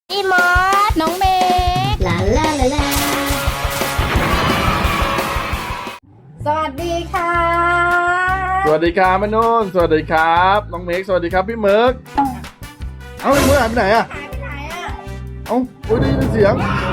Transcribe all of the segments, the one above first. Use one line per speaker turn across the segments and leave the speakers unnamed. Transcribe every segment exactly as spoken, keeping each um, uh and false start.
พี่มอส
น้องเมย์
ลาลาลาลา
สวัสดีค่ะ
สวัสดีครับแม่นุ่นสวัสดีครับน้องเมกสวัสดีครับพี่เมิร์กเอ้าพี่เมิร์กหายไปไหนอะ
หายไปไหนอ่ะ
เอ้าโอ้ยได้ยินเสียง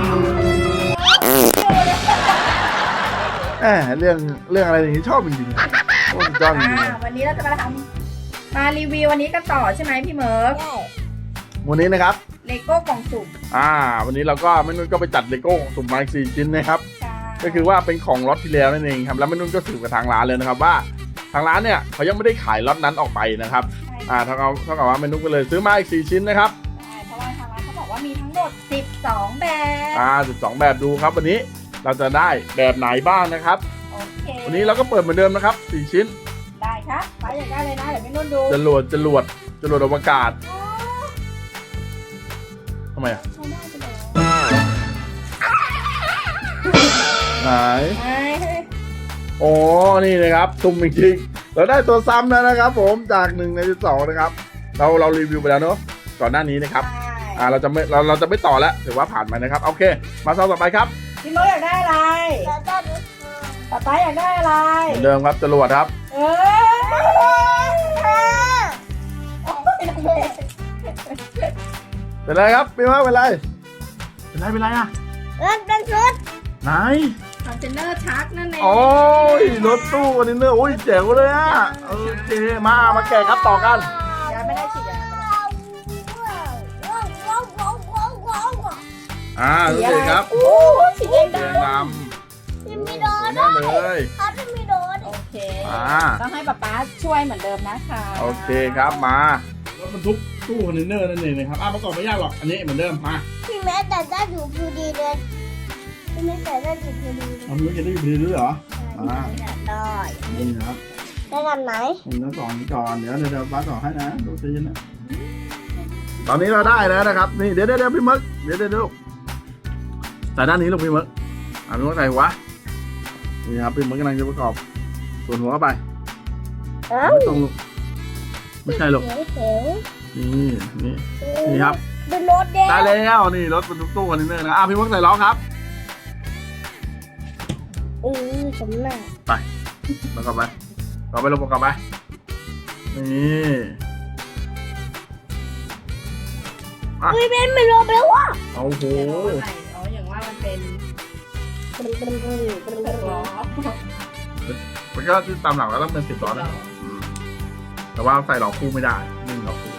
แหมเรื่องเรื่องอะไรอย่างนี้ชอบจริงๆโอ้ยจ้องจริง
วันนี้เราจะมาทำมารีวิววันนี้กันต่อใช่ไหมพี่เมิร์ก
ๆวันนี้นะครับ
เลโก้กล่องสุ่ม
อ่าวันนี้เราก็แม่นุ่นก็ไปจัดเลโก้สุ่มมาอีกสี่ชิ้นนะครับก็คือว่าเป็นของล็อตที่แล้วนั่นเองครับแล้วแม่นุ่นก็สืบกับทางร้านเลยนะครับว่าทางร้านเนี่ยเขายังไม่ได้ขายล็อตนั้นออกไปนะครับอ่าเท่ากับเท่ากับว่าแม่นุ่นก็เลยซื้อมาอีกสี่ชิ้นนะครับ
ใช่เพราะว่าทางร้านเขาบอกว่ามีทั้งหมดสิบสองแบบ
อ่าสิบสองแบบดูครับวันนี้เราจะได้แบบไหนบ้างนะครับ
โอเค
วันนี้เราก็เปิดเหมือนเดิมนะครับสี่ชิ้น
ได้ครับไปอยากได้เลยนะเดี๋ยวแม่นุ่นดู
จรวดจรวดจรวดอวกาศทำไมอ่ะไหนโอ้นี่นะครับตุ่มจริงๆเราได้ตัวซ้ำแล้วนะครับผมจากหนึ่งในสิบสองนะครับเราเรารีวิวไปแล้วเนอะก่อนหน้านี้นะครับอ่าเราจะไม่เราเราจะไม่ต่อแล้วถือว่าผ่านไปนะครับโอเคมาซองต่อไปครับ
พี่เมิร์กอยากได้อะไรป๊าป๊าอยากได้อะไร
เหมือนเดิมครับจรวดครับ
เออ
เป็นไรครับพี่ว่าเป็นไรเป็นไรเป็นไรอ่ะ
มันเป็นชุด
ไหน
คอนเทนเนอร์ชักนั่นเอง
โอ้ยรถตู้คอนเทนเนอร์โอ้ยเจ๋งเลยอ่ะโอเคมามาแกะครับต่อกัน
ยังไม่ได้ฉีดยา
อ่าดูสิครับ
โอ้สีแดงดำ
ดำ
จะมีโดน
แน่เลย
เขาจะมีโดน
โอเคต้องให้ป๊าป๊าช่วยเหมือนเดิมนะคะ
โอเคครับมารถบรรทุกตู้คอนเทนเนอร์นั่นเองนะครับอ่ะประกอบไม่ยากหรอกอันนี้เหมือนเดิมมา
พี่แม่แต่ได้อยู่พอดีเลยพี่แม่แต่ได้อยู่พอดี
เอาไม่จะได้อยู่พอดีด้วยเหรออ่า
ได้
นี่นะครับ
ได้กันไหน
ผมต้องต่อนี้ก่อนเดี๋ยวเดี๋ยวป้าต่อให้นะดูสินะตอนนี้เราได้แล้วนะครับนี่เดี๋ยวเดี๋ยวพี่มึกเดี๋ยวเดี๋ยวใส่ด้านนี้ลูกพี่มึกอ่ะพี่มึกใส่หัวนี่ครับพี่มึกกำลังจะประกอบส่วนหัวเข้าไปไม่ต้องลูกไม่ใช่ลูกนี่นี่นี่ครับ
เป็นรถเด้
ได้แล้วนี่รถบรรทุกตู้คอนเทนเนอร์นะอ่ะพี่มึกใส่ล้อครับ
อือสมหน้า
ไปประกอบไปต่อไปลงประกอบไปนี่
ไม่เป็นไม่รอไปแล้ววะ
โอ้โห
อ๋ออย่างว่ามันเป็นสิบล้อ
มันก็ที่ตามหลังแล้วต้องเป็นสิบล้อนะแต่ว่าใส่ล้อคู่ไม่ได้นึ่งล้อคู่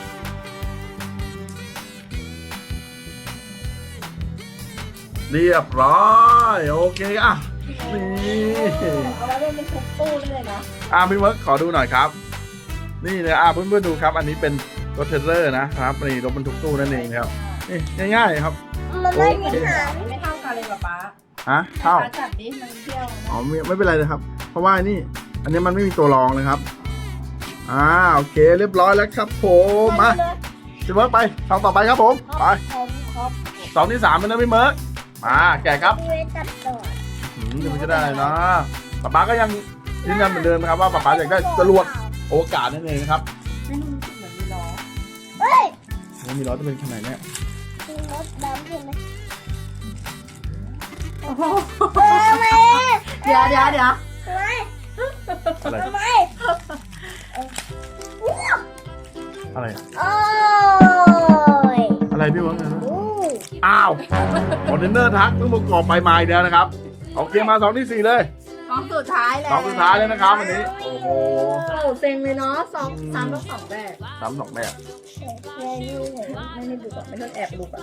เรียบร้อยโอเคอ่ะนี่
เอาไว้เป็นทุกตู้เลยนะ
อ่ะพี่เมิร์กขอดูหน่อยครับนี่เลยอ่ะเพื่อนๆดูครับอันนี้เป็นรถเทรลเลอร์นะครับนี่รถบรรทุกตู้นั่นเองครับนี่ง่ายๆครับ
มันไม่มีหาง
ไม่เท่ากันเลยป๊าป๊า
ฮะเท่า
จับดิมันเที่ยว
อ๋อไม่ไม่เป็นไรเลยครับเพราะว่านี่อันนี้มันไม่มีตัวรองนะครับอ่าโอเคเรียบร้อยแล้วครับผมมาพี่เมิร์กไปสองต่อไปครับผมไปสองที่สามเป็นนะพี่เมิร์กมาแกะครับอืมเดี๋ยวมันจะได้เนาะป๊าป๊าก็ยังยืนยันเหมือนเดิมนะครับว่าป๊าป๊าอยากได้จรวดโอกาสนั่นเองนะครับ
ไม่รู้สึกเหมือนมีล้อ
เฮ้ย
มีล้อจะเป็นขนาดไหนเนี่ย
มีรถดำใช่ไหม
โอ้โหเดี๋ยวเดี๋ยวเดี๋ยว
ทำไม
อะไร
ทำไม
อะไร
โอ้ย
อะไรพี่วะอ้าวคอนเทนเนอร์ทักต้องประกอบไปมาอีกแล้วนะครับโอเคมาสองที่สี่เลย
สองสุดท้ายแล้ว
สองสุดท้ายเลยนะครับวันนี้โอ้โห
เซ็งเลยเนาะสองสามต้องสองแบบ
สามสองแบบ
ไม่ไม่ดูก่อนไม่ต้องแอบดูก่อน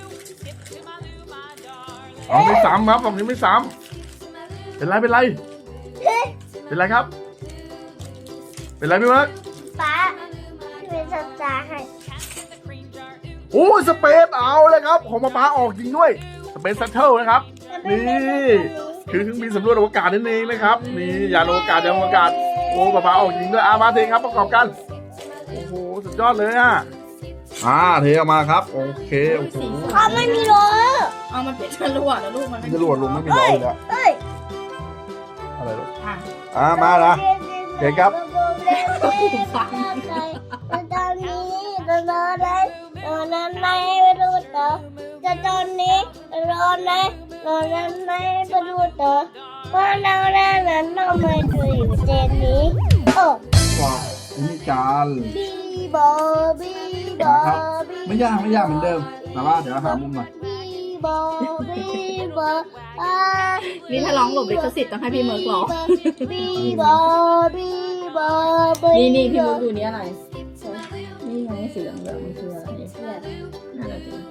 อ๋อไม่ซ้ำครับฝั่งนี้ไม่ซ้ำเป็นไรเป็นไรเป็นไรครับเป็นไรพี่เมิร์ก
ป๊าเป็นสตาร์ให้
โอ้สเปซเอาเลยครับของป๊าออกจริงด้วยสเปซซัตเทิลนะครับนี่คือเครื่องบินสำรวจอวกาศนั่นเองนะครับนี่ยานอวกาศยานอวกาศโอ้ป๊าออกจริงด้วยอามาเทครับประกอบกันโอ้โหสุดยอดเลยอ่ะอ่าเทออกมาครับโอเคโอ้โห
เขาไม่มีล้อ
เอามันเป็นจรวดแล้วลูกมันไม่
จรวดลุงไม่มีล้อเลยอะอะไรลูกอ่ามาละเก่งครับ
ตอนนี้ตอนนี้ตอนนั้นไม่รู้ต่อในเรานั้นในประตูต่อว่าเราแล้วนั้นเราไม่ดูอยู่เจนนี้โอ้
ว้าวอันนี้จาน
บีบอบีบอ
นะครับ
บี
ไม่ยากไม่ยากเหมือนเดิม แต่ว่าเดี๋ยวหามุมหน่อย
บีบอบีบออ่า
นี่ถ้าร้องหลบลิขสิทธิ์ต้องให้พี่เมิร์กร้อง
บีบอบีบอบี
นี่นี่พี่เมิร์กดูนี่อะไรนี่ไงสีเหลืองเหลืองมันคืออะไรน่าจะเป็น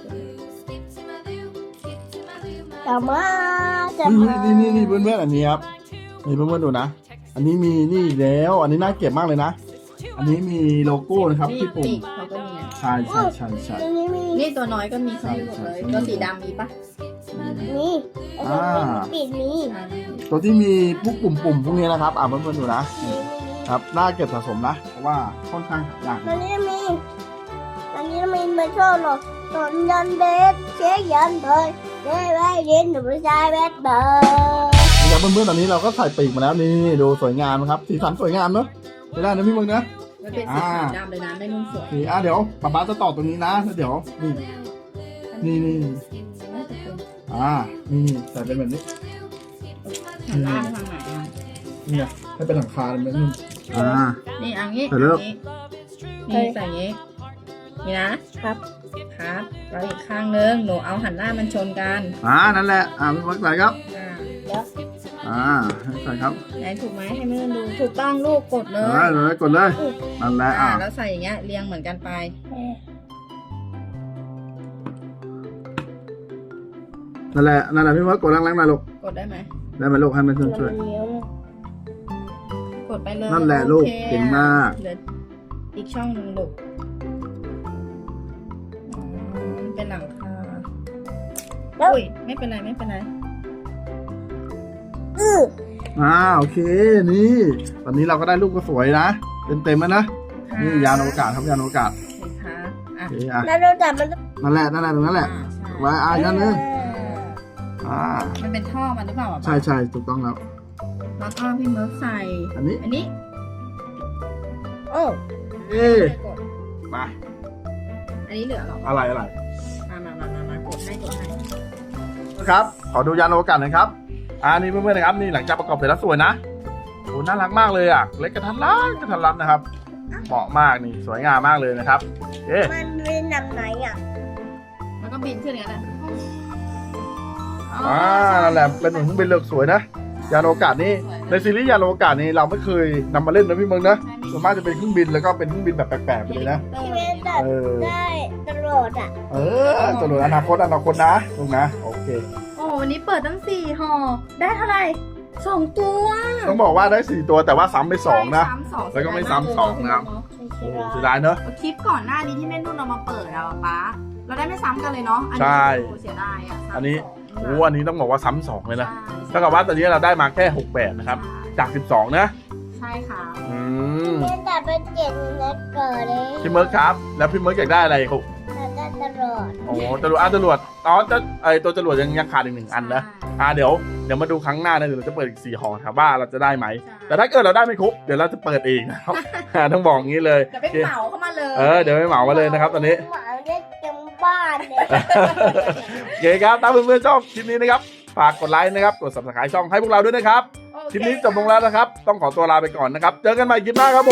จะมาจะ
นี่
มา
นี่นี่นี่เพื่อนๆอันนี้ครับนี่เพื่อนๆดูนะ อันนี้มีนี่อีกแล้ว อันนี้น่าเก็บมากเลยนะ อันนี้มีโลโก้นะครับ
นี่
ที่ปุ่ม
ปีกเขาก็มีอ่ะ
ใช่ใช่ใช่ใช่
อันนี้มี
นี่ตัวน้อยก็มีเขามีหมดเลยตัวสีดำมีปะ
มีอันนี้มีปิดมี
อ่า
ตัวที่มีพวกปุ่มปุ่มๆพวกนี้นะครับ อ่าเพื่อนๆดูนะ
มีมี
ครับน่าเก็บสะสมนะ เพราะว่าค่อนข้างหายาก
อันนี้มีอันนี้มีไม่ชอบหรอกตอนยันเบสเช็คยันเลยเจ๊ไว้เรียนหนูไม่ใช่เบสเบอร์
นี่ครับเพื่อนๆตอนนี้เราก็ใส่ปีกมาแล้วนี่ดูสวยงามนะครับ สีสันสวยงามเนอะใช้ได้นะพี่มึงนะ
มันเป็นสีขาวดำเลยนะไม่นุ่มสวย
นี่อ่ะเดี๋ยวป๊าป๊าจะต่อตรงนี้นะแล้วเดี๋ยวนี่นี่นี่
น่าจะเป็น
อ่านี่นี่ใส่เป็นแบบนี้
หันหน้าไปทางไหนอ่ะ
นี่ไงให้เป็นหลังคาเลยแบบนี้อ่า
นี่เอันนี้
ใส่แล้ว
อันนี้นี่ใส่อย่างนี้นี่นะครับ ครับแล้วอีกข้างนึงหนูเอาหันหน้ามันชนกัน
อ่านั่นแหละอ่าพี่มึงใส่ครับ
อ่า
อ่าให้ใส่ครับ
ไหนถูกไหมให้แม่ดูถูกต้องลูกกดเลย
อ่าเลยกดเลยนั่นแหละ
อ่า
อ่า
แล้วใส่อย่างเงี้ยเรียงเหมือนกันไป
นั่นแหละนั่นแหละพี่มึงกดแรงๆหน่อยลูก
กดได้ไหม
ได้ไหมลูกให้มันช่วยช่วย
กดไปเลย
นั่นแหละลูก
โอค
เก่งมาก
เหลืออีกช่องหนึ่งลูกอืมเป็นหลังคาอุ้ยไม่เป็นไรไม่เป็นไร
อือ
อ่าโอเคนี่ตอนนี้เราก็ได้รูปก็สวยนะเต็มเต็มๆแล้วนะนี่ยานอวกาศครับยานอวกาศ
โอเคครับอ่ะ
โอเคอ่ะ
แล้วเราจับมัน
นั่นแหละนั่นแหละตรงนั้นแหละ
อ่าใช่
ไว้อ่ะอีกอันนึงอ่า
มันเป็นท่อมันหรือเปล่าอ่ะ
ใช่ใช่ถูกต้องแล้ว
แล้วก็พี่เมิร์กใส่
อันนี้
อันนี้
โอ้
เอ๊ะ
กด
มา
อันนี้เหลือเหรอ
อะไรอะไร
มามามามามากดให้กดให้
ครับขอดูยานอวกาศหน่อยครับอ่านี่เพื่อนๆนะครับนี่หลังจากประกอบเสร็จแล้วสวยนะโอ้น่ารักมากเลยอ่ะเล็กกระทัดรัดกระทัดรัดนะครับเหมาะมากนี่สวยงามมากเลยนะครับเอ๊ะ
มันเป็นแบบไหนอ่ะ
แล้วก็บินขึ้นอย่างนั้นแหละ
อ่านั่นแหละเป็นเหมือนเครื่องบินเลือกสวยนะยานอวกาศนี่ในซีรีส์ยานอวกาศนี่เราไม่เคยนำมาเล่นนะพี่เมืองนะส่วนมากจะเป็นเครื่องบินแล้วก็เป็นเครื่องบินแบบแปลกๆไปเลยนะ
ที่เป็นแบบ
เออ
ได้ตลอดอ่ะ
เออตำรวจอนาคตอนาคตนะลูกนะโอเค
โอ้วันนี้เปิดตั้งสี่ห่อได้เท่าไหร่สองตัว
ต้องบอกว่าได้สี่ตัวแต่ว่าซ้ำไปสองนะ
ซ้ำสอง
แล้วก็ไม่ซ้ำสองนะครับ โอ้โหเสียดายเนอะ
คลิปก่อนหน้านี้ที่แม่นุ่นเรามาเปิดอะป๊าเราได้ไม่ซ้ำกันเลยเนาะอัน
ใช่
นี้โอ้เสียดายอะซ้ำ
อันนี้
สง
โอ้อันนี้ต้องบอกว่าซ้ำสองเลยนะ
ใช่
เท่ากับว่าตอนนี้เราได้มาแค่หกแบบนะครับจากสิบสองนะ
ใช่ค่ะ
อืม
เป็นแต่เป็นเจ็ดเล็กเกิดเลย
พี่เมิร์กครับแล้วพี่เมิร์กอยากได้อะไรครับ
แต่ได้ตลอด
โอ้จรวดอ่ะจรวดอ๋อจะไอตัวจรวดยังยังขาดอีกหนึ่งอันนะอ่าเดี๋ยวเดี๋ยวมาดูครั้งหน้านะเดี๋ยวเราจะเปิดอีกสี่ห่อครับว่าเราจะได้ไหม แต่ถ้าเกิดเราได้ไม่ครบเดี๋ยวเราจะเปิดเองนะครับ ต้องบอกงี้เลย
เดี๋ยวไปเหมาเข้ามาเลย
เออเดี๋ยวไปเหมามาเลยนะครับตอนนี้
หมาเล็กจังบ้านเลย
โอเคครับถ้าเพื่อนๆชอบคลิปนี้นะครับฝากกดไลค์นะครับกด subscribe ช่องให้พวกเราด้วยนะครับ
โอเ
คลิปนี้จบลงแล้วนะครับ ต้องขอตัวลาไปก่อนนะครับ เจอกันใหม่คลิปหน้าครับผม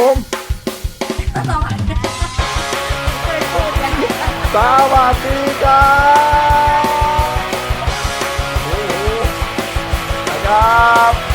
เคยพูดกัน
สวัสดีครับโอ้โหนะครับ